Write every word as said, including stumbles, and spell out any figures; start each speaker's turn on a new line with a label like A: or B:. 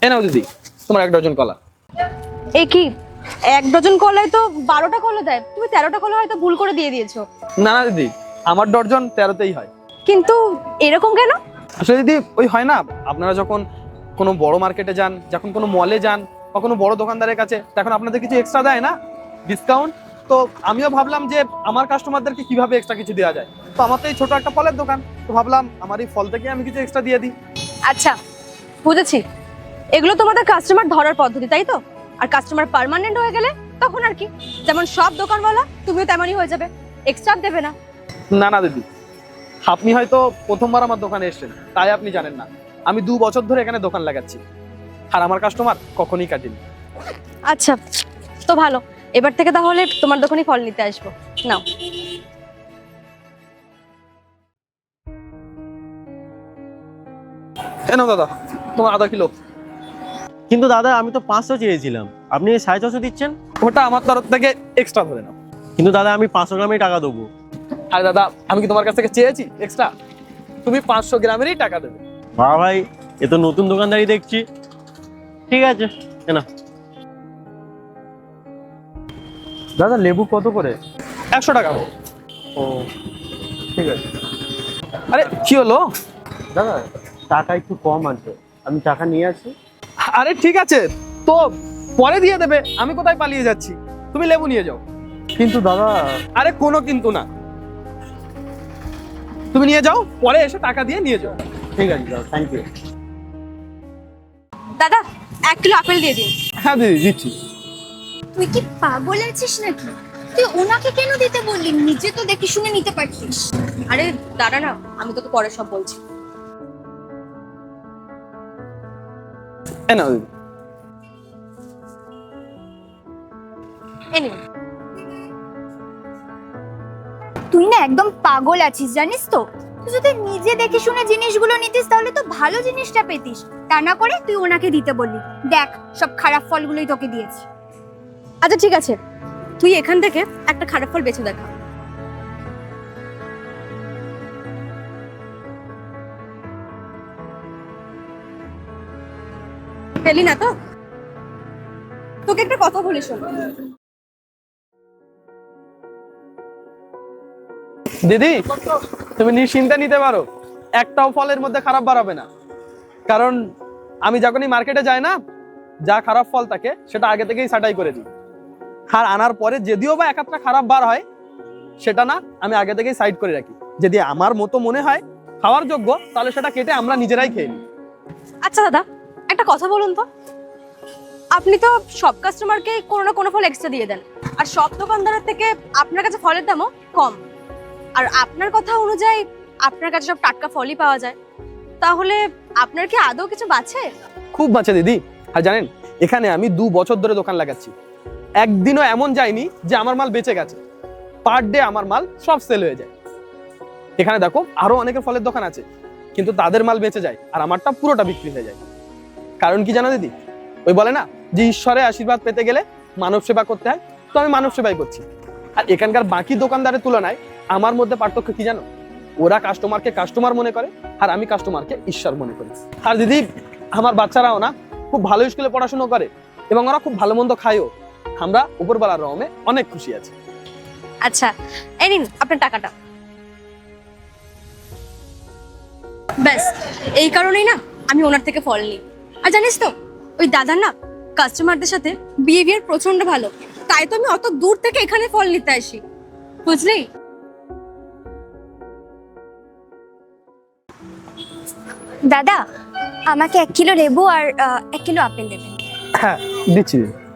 A: এ নাও দিদি, তোমার এক ডজন কলা।
B: এ কি, এক ডজন কলায় তো বারোটা কলা দেয়, তুমি তেরোটা কলা হয়তো ভুল করে দিয়ে দিয়েছো।
A: না না দিদি, আমার ডজন তেরোতেই হয়।
B: কিন্তু এরকম কেন?
A: আসলে দিদি ওই হয় না, আপনারা যখন কোনো বড় মার্কেটে যান, যখন কোনো মলে যান বা কোনো বড় দোকানদারের কাছে, তখন আপনাদের কিছু এক্সট্রা দেয় না, ডিসকাউন্ট। তো আমিও ভাবলাম যে আমার কাস্টমারদেরকে কিভাবে এক্সট্রা কিছু দেওয়া যায়। তো আমার তো এই ছোট একটা ফলের দোকান, তো ভাবলাম আমার এই ফল থেকে আমি কিছু এক্সট্রা দিয়ে দিই।
B: আচ্ছা বুঝেছি, এগুলো তোমাদের কাস্টমার ধরার পদ্ধতি, তাই তো? আর কাস্টমার পার্মানেন্ট হয়ে গেলে তখন আর কি, যেমন সব দোকানওয়ালা তুমিও তেমনই হয়ে যাবে, এক্সট্রা দেবে না।
A: না না দিদি, আপনি হয়তো প্রথমবার আমার দোকানে এসেছেন, তাই আপনি জানেন না আমি দু বছর ধরে এখানে দোকান লাগাচ্ছি, আর আমার কাস্টমার কখনই কাটেনি।
B: আচ্ছা তো ভালো, এবার থেকে তাহলে তোমার দোকানে ফল নিতে আসবো। নাও।
A: কেন দাদা, তোমার আধা কিলো।
C: কিন্তু দাদা আমি তো পাঁচশো চেয়েছিলাম, আপনি সাড়ে ছশো দিচ্ছেন।
A: ওটা আমার তরফ থেকে এক্সট্রা ধরে নাও।
C: কিন্তু দাদা আমি পাঁচশো গ্রামেই টাকা দেবো।
A: আর দাদা, আমি কি তোমার কাছ থেকে চেয়েছি এক্সট্রা? তুমি পাঁচশো গ্রামেরই টাকা দেবে।
C: বাবা ভাই, এ তো নতুন দোকানদারি দেখছি। ঠিক আছে না
A: দাদা, লেবু কত করে? একশো টাকা।
C: ও ঠিক আছে
A: আরে কি হলো?
C: দাদা, টাকা একটু কম আছে, আমি টাকা নিয়ে আসি।
A: আরে ঠিক আছে, তো পরে দিয়ে দেবে, আমি কোথায় পালিয়ে যাচ্ছি? তুমি লেবু নিয়ে যাও।
C: কিন্তু দাদা।
A: আরে কোনো কিন্তু না, তুমি নিয়ে যাও, পরে এসে টাকা দিয়ে নিয়ে যাও।
C: ঠিক আছে দাদা, থ্যাংক ইউ।
B: দাদা এক কিলো আপেল দিয়ে দিন।
A: হ্যাঁ দিদি, দিচ্ছি।
D: তুই কি পাগল আছিস নাকি? তুই ওনাকে কেন দিতে বললি? নিজে তো দেখে শুনে নিতে পারতিস।
B: আরে দাঁড়া না, আমি তোকে পরে সব বলছি।
A: এ নাও দিদি।
B: এই নিন।
D: তুই না একদম পাগল আছিস, জানিস তো? তুই যদি নিজে দেখে শুনে জিনিসগুলো নিতিস তাহলে তো ভালো জিনিসটা পেতিস, তা না করে তুই ওনাকে দিতে বললি। দেখ, সব খারাপ ফলগুলোই তোকে দিয়েছি।
B: আচ্ছা ঠিক আছে, তুই এখান থেকে একটা খারাপ ফল বেছে দেখা। পেলি না তো? তোকে একটা কথা বলি শোন।
A: দিদি, তুমি নিশ্চিন্তে নিতে পারো, একটাও ফলের মধ্যে খারাপ বার হবে না। কারণ আমি যখনই মার্কেটে যাই না, যা খারাপ ফল থাকে সেটা আগে থেকেই ছাঁটাই করে দিই। আর আনার পরে যদিও বা এক একটা খারাপ বার হয়, সেটা না আমি আগে থেকেই সাইড করে রাখি। যদি আমার মতো মনে হয় খাওয়ার যোগ্য, তাহলে সেটা কেটে আমরা নিজেরাই খেয়ে নিই।
B: আচ্ছা দাদা, একটা কথা বলুন তো, আপনি তো সব কাস্টমারকে কোনো না কোনো ফল এক্সট্রা দিয়ে দেন, আর সব দোকানদারের থেকে আপনার কাছে ফলের দামও কম, আর আপনার কথা অনুযায়ী আপনার কাছে সব টাটকা ফলই পাওয়া যায়, তাহলে আপনার কি আদৌ কিছু বাঁচে?
A: খুব বাঁচে দিদি। আর জানেন, এখানে আমি দু বছর ধরে দোকান লাগাচ্ছি, একদিনও এমন যায়নি যে আমার মাল বেঁচে গেছে। পার ডে আমার মাল সব সেল হয়ে যায়। এখানে দেখো আরো অনেকের ফলের দোকান আছে, কিন্তু তাদের মাল বেঁচে যায় আর আমারটা পুরোটা বিক্রি হয়ে যায়। কারণ কি জানো দিদি, ওই বলে না যে ঈশ্বরের আশীর্বাদ পেতে গেলে মানব সেবা করতে হয়, তো আমি মানব সেবাই করছি। আর এখানকার বাকি দোকানদারের তুলনায় আমার মধ্যে পার্থক্য কি জানো? ওরা কাস্টমারকে কাস্টমার মনে করে, আর আমি কাস্টমারকে ঈশ্বর মনে করি। আর দিদি, আমার বাচ্চারাও না খুব ভালো স্কুলে পড়াশোনা করে, এবং ওরা খুব ভালো মন্দ খায়ও। আমরা উপরবেলার রহমে অনেক খুশি আছি।
B: আচ্ছা এই নিন আপনার টাকাটা। ব্যাস, এই কারণেই না আমি ওনার থেকে ফল নিই। আর জানিস তো, ওই দাদার না কাস্টমারদের সাথে বিহেভিয়ার প্রচন্ড ভালো, তাই তো আমি অত দূর থেকে এখানে ফল নিতে আসি, বুঝলি?
D: দাদা, আমাকে এক কিলো লেবু আর আহ, এক কিলো আপেল দেবেন।
A: হ্যাঁ দিচ্ছি।